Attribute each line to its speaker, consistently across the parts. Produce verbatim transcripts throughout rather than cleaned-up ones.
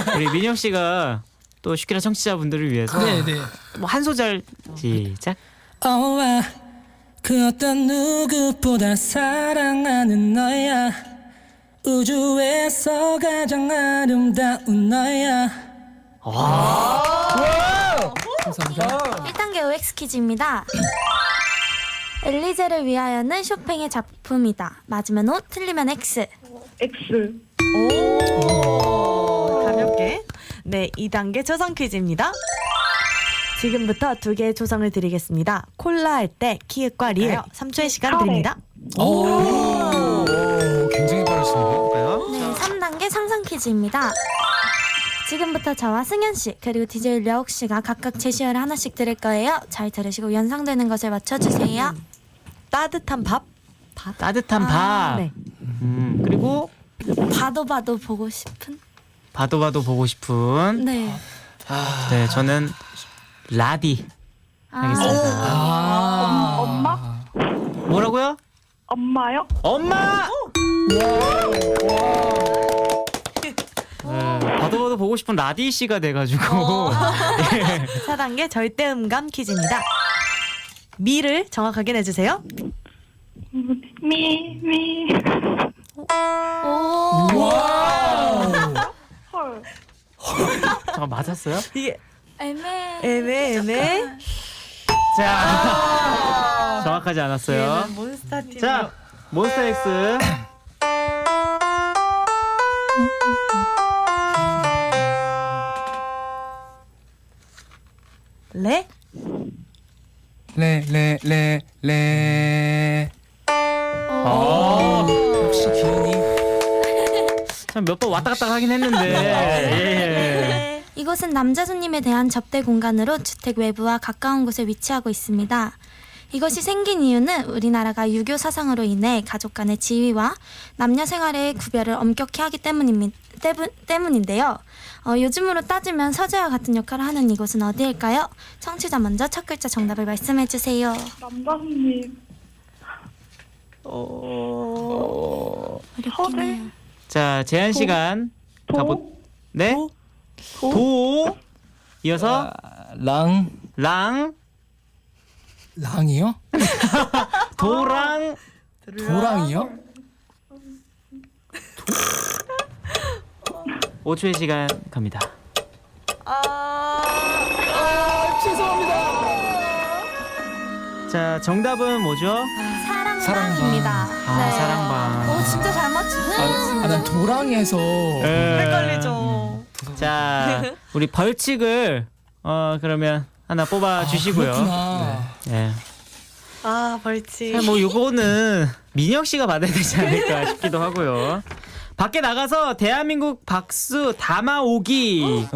Speaker 1: 우리 민혁 씨가 또 슈키라 청취자분들을 위해서
Speaker 2: 네네.
Speaker 1: 뭐 한 소절 시작.
Speaker 2: 어와 그 어떤 누구보다 사랑하는 너야. 우주에서 가장 아름다운 너야. 감사합니다.
Speaker 3: 일 단계 오엑스 퀴즈입니다. 엘리제를 위하여는 쇼팽의 작품이다. 맞으면 O, 틀리면 X.
Speaker 4: X.
Speaker 5: 오, 가볍게. 네, 이 단계 조성 퀴즈입니다. 지금부터 두 개의 조성을 드리겠습니다. 콜라 할 때 키읔과 리을 삼 초의 시간 드립니다.
Speaker 2: 오, 굉장히 빠르시네요.
Speaker 3: 네, 삼 단계 상상 퀴즈입니다. 지금부터 저와 승현 씨 그리고 디제이 려욱 씨가 각각 제시어를 하나씩 드릴 거예요. 잘 들으시고 연상되는 것을 맞춰주세요.
Speaker 5: 따뜻한 밥.
Speaker 1: 따뜻한
Speaker 3: 아,
Speaker 1: 밥.
Speaker 5: 네.
Speaker 1: 음, 그리고
Speaker 3: 봐도 봐도 보고 싶은.
Speaker 1: 봐도 봐도 보고 싶은.
Speaker 3: 네.
Speaker 1: 네, 저는 라디 하겠습니다.
Speaker 2: 아,
Speaker 4: 엄마?
Speaker 1: 뭐라고요?
Speaker 4: 엄마요?
Speaker 1: 엄마! 네, 봐도 봐도 보고 싶은 라디 씨가 돼가지고
Speaker 5: 사 단계 절대 음감 퀴즈입니다. 미를 정확하게 내주세요.
Speaker 4: 미, 미.
Speaker 3: 오.
Speaker 4: 헐.
Speaker 1: 잠깐 맞았어요?
Speaker 5: 이게
Speaker 3: 애매.
Speaker 5: 애매 애매.
Speaker 1: 자 정확하지 않았어요.
Speaker 5: 얘는 몬스타 팀.
Speaker 1: 자 몬스타엑스
Speaker 5: 레.
Speaker 2: 레, 레, 레, 레.
Speaker 1: 어,
Speaker 2: 역시 기운이.
Speaker 1: 참 몇 번 왔다 갔다 하긴 했는데 예.
Speaker 3: 이곳은 남자 손님에 대한 접대 공간으로 주택 외부와 가까운 곳에 위치하고 있습니다. 이것이 생긴 이유는 우리나라가 유교 사상으로 인해 가족 간의 지위와 남녀 생활의 구별을 엄격히 하기 때문입니, 때문, 때문인데요. 어, 요즘으로 따지면 서재와 같은 역할을 하는 이곳은 어디일까요? 청취자 먼저 첫 글자 정답을 말씀해주세요.
Speaker 4: 남자 손님.
Speaker 5: 어.
Speaker 3: 어렵긴 해요.
Speaker 1: 자 제한 시간
Speaker 4: 도?
Speaker 1: 가보 네?
Speaker 5: 도?
Speaker 1: 도 이어서
Speaker 2: 랑,
Speaker 1: 랑
Speaker 2: 랑이요?
Speaker 1: 도랑
Speaker 2: 도랑이요?
Speaker 1: 오 초의 시간 갑니다.
Speaker 5: 아.
Speaker 1: 자 정답은 뭐죠?
Speaker 3: 사랑방입니다.
Speaker 1: 아, 사랑방.
Speaker 3: 오 진짜 잘 맞추네.
Speaker 2: 아, 난 도랑에서.
Speaker 1: 네.
Speaker 5: 헷갈리죠.
Speaker 1: 자 우리 벌칙을 어 그러면 하나 뽑아 주시고요.
Speaker 2: 그렇구나.
Speaker 1: 네.
Speaker 5: 아, 벌칙.
Speaker 1: 자, 뭐 요거는 민혁 씨가 받아야 되지 않을까 싶기도 하고요. 밖에 나가서 대한민국 박수 담아오기.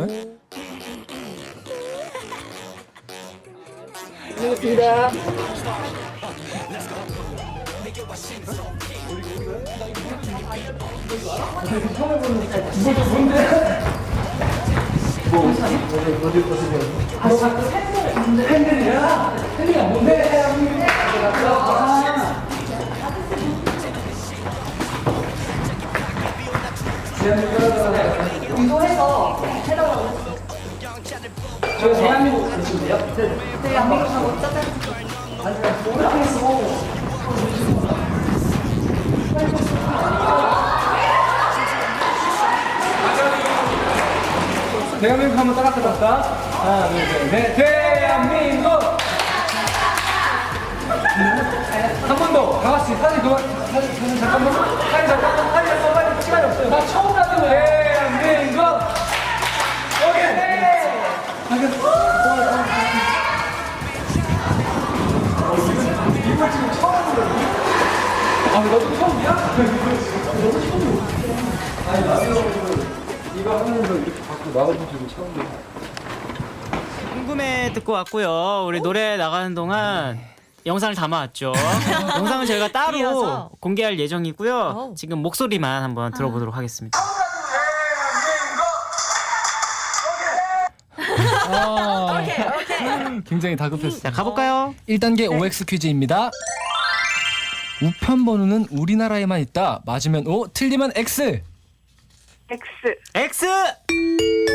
Speaker 2: 대한민국 한번 따라해볼까? 하나, 둘, 셋, 넷. 대한민국! 한 번 더. 다 같이 사진 그만. 사진, 사진 잠깐만. 사진 잠깐만. 사진 잠깐만. 빨리 시간이 없어요. 나 처음 가는 거야. 대한민국! 오케이! 이거 지금 처음 하는 거야? 아, 너도 처음이야? 너도 처음이야? 아니, 나도 이거 하면서 이렇게 밖으로 나가본 적이 처음이야.
Speaker 1: 궁금해 듣고 왔고요. 우리 노래 나가는 동안 영상을 담아왔죠. 영상은 저희가 따로
Speaker 5: 이어서.
Speaker 1: 공개할 예정이고요.
Speaker 5: 어우.
Speaker 1: 지금 목소리만 한번 들어보도록 하겠습니다.
Speaker 2: 아, 굉장히 다급했어.
Speaker 1: 자 가볼까요?
Speaker 2: 일 단계 오엑스 퀴즈입니다. 우편 번호는 우리나라에만 있다. 맞으면 O, 틀리면 X.
Speaker 4: X.
Speaker 1: X.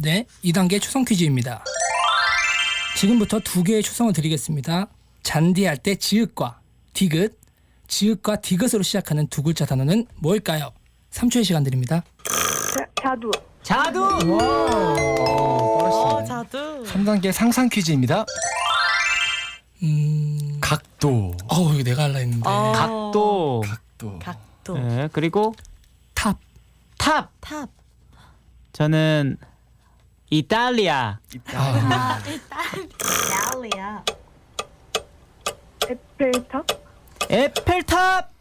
Speaker 6: 네, 이 단계 초성 퀴즈입니다. 지금부터 두 개의 초성을 드리겠습니다. 잔디할 때 지읒과 디귿, 지읒과 디귿으로 시작하는 두 글자 단어는 뭘까요? 삼 초의 시간 드립니다.
Speaker 4: 자, 자두.
Speaker 1: 자두.
Speaker 5: 어, 자두.
Speaker 2: 삼 단계 상상 퀴즈입니다.
Speaker 6: 음,
Speaker 2: 각도.
Speaker 6: 어우 이거 내가 할라 했는데.
Speaker 5: 어.
Speaker 1: 각도.
Speaker 2: 각도.
Speaker 5: 각도.
Speaker 1: 네, 그리고
Speaker 6: 탑.
Speaker 1: 탑.
Speaker 5: 탑.
Speaker 1: 저는 이탈리아.
Speaker 6: 아,
Speaker 5: 이탈리아.
Speaker 4: 에펠탑.
Speaker 1: 에펠탑.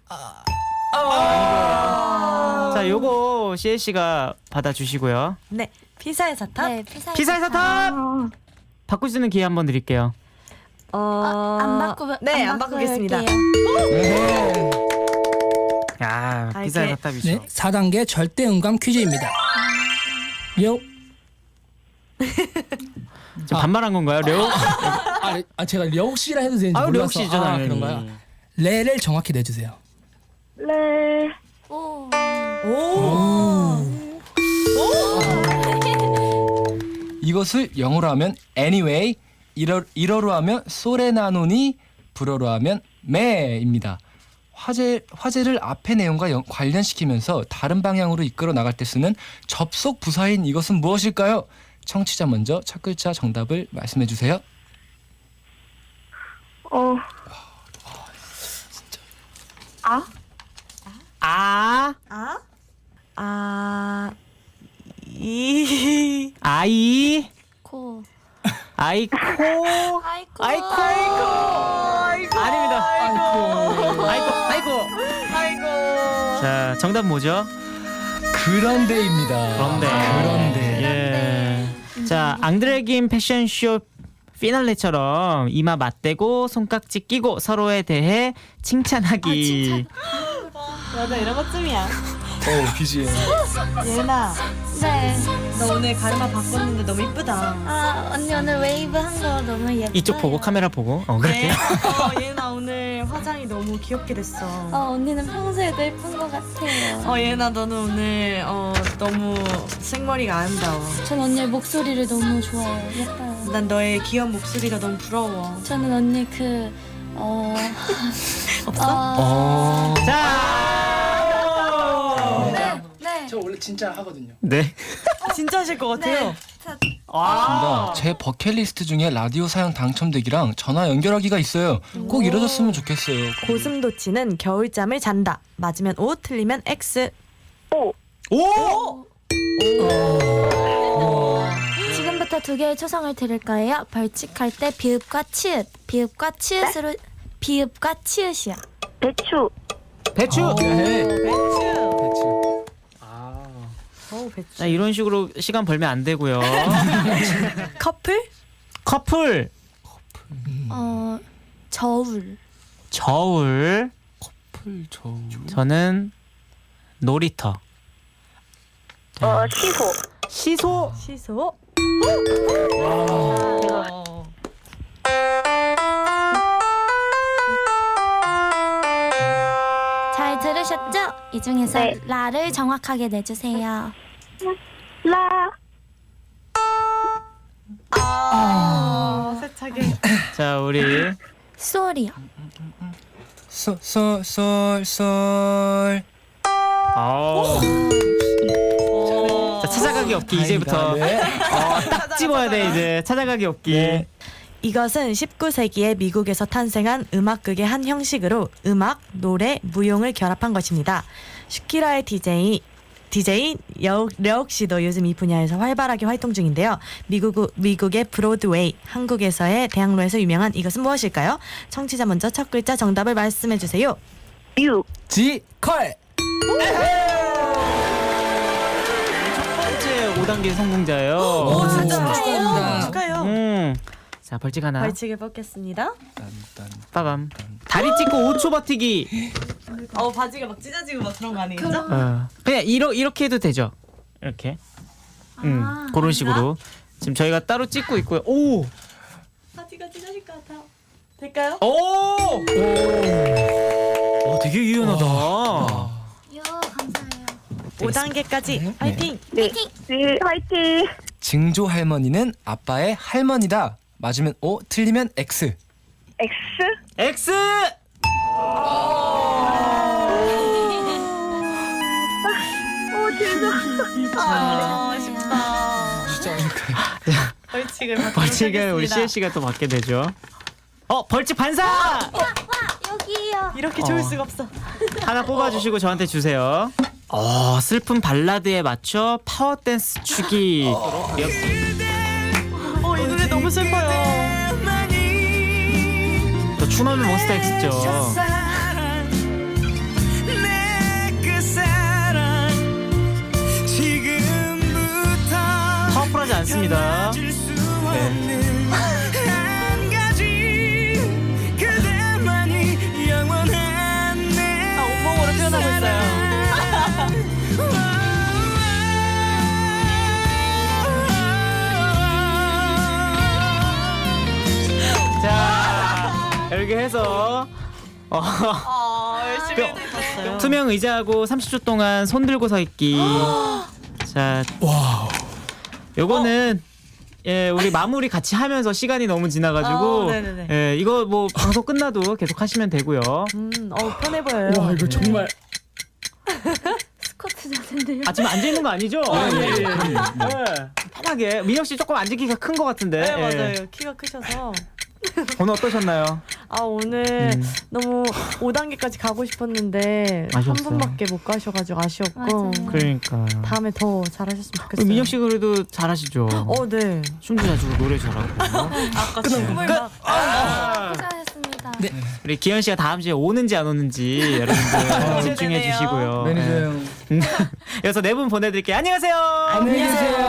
Speaker 1: 아. 자, 요거 씨엘 씨가 받아주시고요.
Speaker 5: 네, 피사의 사탑.
Speaker 3: 네, 피사의
Speaker 1: 피사의 사탑.
Speaker 4: 아,
Speaker 1: 바꿀 수 있는 기회 한번 드릴게요.
Speaker 5: 어,
Speaker 3: 아, 안 바꾸
Speaker 5: 네, 안 바꾸겠습니다.
Speaker 3: 할게요.
Speaker 2: 네.
Speaker 1: 야,
Speaker 5: 아,
Speaker 1: 피사의
Speaker 5: 이렇게-
Speaker 1: 사탑이죠.
Speaker 6: 네, 사 단계 절대 음감 퀴즈입니다. 려.
Speaker 1: 저 반말한 건가요, 려욱?
Speaker 6: 아, 아 제가 려욱씨라 해도 되는지
Speaker 1: 아유,
Speaker 6: 몰라서.
Speaker 1: 려욱씨죠,
Speaker 6: 아,
Speaker 1: 당연히.
Speaker 6: 그런가요? 레를 정확히 내주세요.
Speaker 4: 레.
Speaker 3: 오.
Speaker 5: 오.
Speaker 2: 이것을 영어로 하면 anyway, 일어, 일어로 하면 소레나노니, 불어로 하면 매입니다. 화제, 화제를 앞의 내용과 연, 관련시키면서 다른 방향으로 이끌어 나갈 때 쓰는 접속 부사인 이것은 무엇일까요? 청취자 먼저 첫 글자 정답을 말씀해 주세요.
Speaker 4: 어. 아?
Speaker 1: 아,
Speaker 5: 아? 아. 이.
Speaker 1: 아이,
Speaker 3: 코.
Speaker 1: 아이코,
Speaker 3: 아이코.
Speaker 1: 아이코, 아이코. 아닙니다.
Speaker 6: 아이고.
Speaker 1: 아이코, 아이고.
Speaker 5: 아이고.
Speaker 1: 자, 정답 뭐죠?
Speaker 2: 그런데입니다.
Speaker 1: 그런데.
Speaker 2: 그런데.
Speaker 1: 예. 자, 앙드레김 패션쇼 피날레처럼 이마 맞대고 손깍지 끼고 서로에 대해 칭찬하기.
Speaker 5: 맞아, 이런 것쯤이야.
Speaker 2: 어, 비지엠.
Speaker 5: 예은아,
Speaker 3: 네.
Speaker 5: 너 오늘 가르마 바꿨는데 너무 이쁘다.
Speaker 3: 아, 언니 오늘 웨이브 한 거 너무 예뻐요.
Speaker 1: 이쪽 보고 카메라 보고. 어,
Speaker 5: 네.
Speaker 1: 그렇게.
Speaker 5: 어, 예은아 오늘 화장이 너무 귀엽게 됐어.
Speaker 3: 어, 언니는 평소에도 예쁜 것 같아요.
Speaker 5: 어, 예은아 너는 오늘 어 너무 생머리가 아름다워.
Speaker 3: 전 언니의 목소리를 너무 좋아해요. 예뻐요.
Speaker 5: 난 너의 귀여운 목소리가 너무 부러워.
Speaker 3: 저는 언니 그 어.
Speaker 5: 없어?
Speaker 3: 어.
Speaker 1: 자.
Speaker 3: 네. 네.
Speaker 6: 저 원래 진짜 하거든요.
Speaker 1: 네.
Speaker 5: 진짜 하실 것 같아요.
Speaker 3: 네. 자,
Speaker 1: 아.
Speaker 2: 제 버킷리스트 중에 라디오 사연 당첨되기랑 전화 연결하기가 있어요. 꼭 이뤄졌으면 좋겠어요.
Speaker 5: 고슴도치는 겨울잠을 잔다. 맞으면 O, 틀리면 X.
Speaker 4: 오.
Speaker 1: 오!
Speaker 3: 지금부터 두 개의 초성을 드릴 거예요. 벌칙할 때 비읍과 치읓, 비읍과 치읓으로 비읍과 치읓이야.
Speaker 4: 배추.
Speaker 1: 배추.
Speaker 2: 네.
Speaker 5: 배추.
Speaker 2: 대충.
Speaker 1: 아.
Speaker 5: 오, 배추.
Speaker 1: 자, 이런 식으로 시간 벌면 안 되고요.
Speaker 5: 커플?
Speaker 1: 커플.
Speaker 3: 어, 저울.
Speaker 1: 저울.
Speaker 2: 풀 저.
Speaker 1: 저는 놀이터.
Speaker 4: 어, 시소.
Speaker 1: 시소.
Speaker 5: 시소.
Speaker 3: 잘 들으셨죠? 이 중에서
Speaker 4: 네.
Speaker 3: 라를 정확하게 내주세요.
Speaker 4: 라.
Speaker 5: 아, 세차게.
Speaker 1: 자, 우리
Speaker 3: 쏠이요.
Speaker 2: 솔솔솔솔.
Speaker 1: 아우. 자, 찾아가기 없기 이제부터
Speaker 2: 네.
Speaker 1: 어, 딱 집어야 돼 이제. 찾아가기 없기.
Speaker 2: 네.
Speaker 5: 이것은 십구 세기에 미국에서 탄생한 음악극의 한 형식으로 음악, 노래, 무용을 결합한 것입니다. 슈키라의 디제이 디제이 려욱 씨도 요즘 이 분야에서 활발하게 활동 중인데요. 미국, 미국의 브로드웨이, 한국에서의 대학로에서 유명한 이것은 무엇일까요? 청취자 먼저 첫 글자 정답을 말씀해 주세요.
Speaker 4: 유.
Speaker 2: 지 컬.
Speaker 1: 첫 번째 오 단계 성공자예요.
Speaker 5: 오, 진짜
Speaker 6: 축하합니다.
Speaker 5: 축하해요.
Speaker 1: 음. 자, 벌칙 하나.
Speaker 5: 벌칙을 뽑겠습니다.
Speaker 1: 빠밤. 다리 찢고 오 초 버티기.
Speaker 5: 어, 바지가 막 찢어지고 막 그런 거 아니겠죠?
Speaker 1: 어. 그냥 이러, 이렇게 해도 되죠. 이렇게. 음,
Speaker 3: 아,
Speaker 1: 그런 식으로. 지금 저희가 따로 찍고 있고요. 오!
Speaker 5: 바지가 찢어질 것 같아. 될까요?
Speaker 1: 오! 오, 되게 유연하다.
Speaker 3: 요, 감사해요.
Speaker 5: 오 단계까지 화이팅!
Speaker 4: 네. 네, 화이팅.
Speaker 2: 증조 할머니는 아빠의 할머니다. 맞으면 O, 틀리면 X.
Speaker 4: X.
Speaker 1: X.
Speaker 4: 오, 죄송.
Speaker 5: 아, 아쉽다.
Speaker 2: 진짜
Speaker 5: 벌칙을 받도록
Speaker 1: 벌칙을 우리
Speaker 5: 하겠습니다.
Speaker 1: 시엘 씨가 또 받게 되죠. 어, 벌칙 반사.
Speaker 3: 여기요.
Speaker 5: 이렇게
Speaker 1: 어.
Speaker 5: 좋을 수가 없어.
Speaker 1: 하나 뽑아주시고 저한테 주세요. 어, 슬픈 발라드에 맞춰 파워 댄스 추기.
Speaker 5: 어, 이 노래 너무 슬퍼요.
Speaker 1: 또 추노는 몬스타엑스죠. 파워풀하지 않습니다. 네.
Speaker 5: 아, 온몸으로 표현하고 있어요.
Speaker 1: 자, 이렇게 해서 어,
Speaker 5: 아, 열심히 해주셨어요.
Speaker 1: 투명 의자하고 삼십 초 동안 손 들고 서 있기. 자,
Speaker 6: 와우.
Speaker 1: 요거는 예, 우리 마무리 같이 하면서 시간이 너무 지나가지고
Speaker 5: 아, 네네네.
Speaker 1: 예, 이거 뭐 방송 끝나도 계속 하시면 되고요.
Speaker 5: 음, 어, 편해 보여요.
Speaker 6: 와 이거 정말
Speaker 3: 스쿼트 자세인데요.
Speaker 1: 아, 지금 앉아 있는 거 아니죠?
Speaker 6: 네,
Speaker 1: 예, 예,
Speaker 6: 네,
Speaker 1: 예. 편하게. 민혁 씨 조금 앉기가 큰 것 같은데.
Speaker 5: 네,
Speaker 1: 예.
Speaker 5: 맞아요. 키가 크셔서.
Speaker 1: 오늘 어떠셨나요?
Speaker 5: 아, 오늘
Speaker 1: 음.
Speaker 5: 너무 오 단계까지 가고 싶었는데 한
Speaker 1: 아쉬웠어요.
Speaker 5: 분밖에 못 가셔가지고 아쉬웠고
Speaker 3: 맞아요.
Speaker 1: 그러니까.
Speaker 5: 다음에 더 잘하셨으면
Speaker 1: 우리
Speaker 5: 좋겠어요.
Speaker 1: 민혁 씨 그래도 잘하시죠.
Speaker 5: 어, 네.
Speaker 1: 춤도 잘 추고 노래 잘하고.
Speaker 5: 아까 춤을 막
Speaker 1: 아!
Speaker 3: 수고하셨습니다.
Speaker 6: 네.
Speaker 1: 우리 기현 씨가 다음 주에 오는지 안 오는지 여러분들 집중해
Speaker 5: 기대되네요.
Speaker 1: 주시고요.
Speaker 2: 매니저
Speaker 1: 예.
Speaker 2: 형.
Speaker 1: 그래서 네 분 보내드릴게요. 안녕하세요.
Speaker 6: 안녕히 계세요.